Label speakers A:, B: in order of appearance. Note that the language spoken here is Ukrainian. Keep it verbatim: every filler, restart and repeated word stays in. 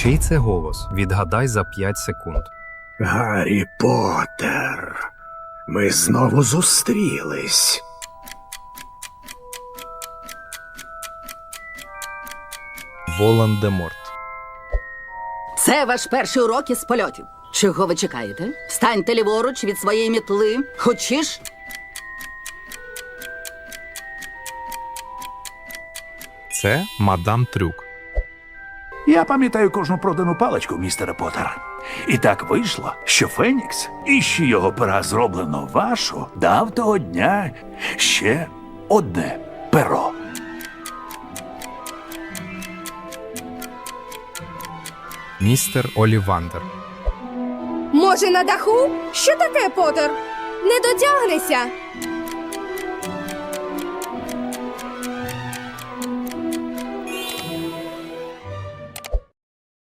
A: Чий це голос? Відгадай за п'ять секунд.
B: Гаррі Поттер, ми знову зустрілись.
A: Волан-де-Морт.
C: Це ваш перший урок із польотів. Чого ви чекаєте? Встаньте ліворуч від своєї мітли. Хочеш?
A: Це мадам Трюк.
D: Я пам'ятаю кожну продану паличку, містере Поттер. І так вийшло, що Фенікс, і що його пера зроблено вашу, дав того дня ще одне перо.
A: Містер Олівандер.
E: Може, на даху? Що таке, Поттер? Не дотягнешся.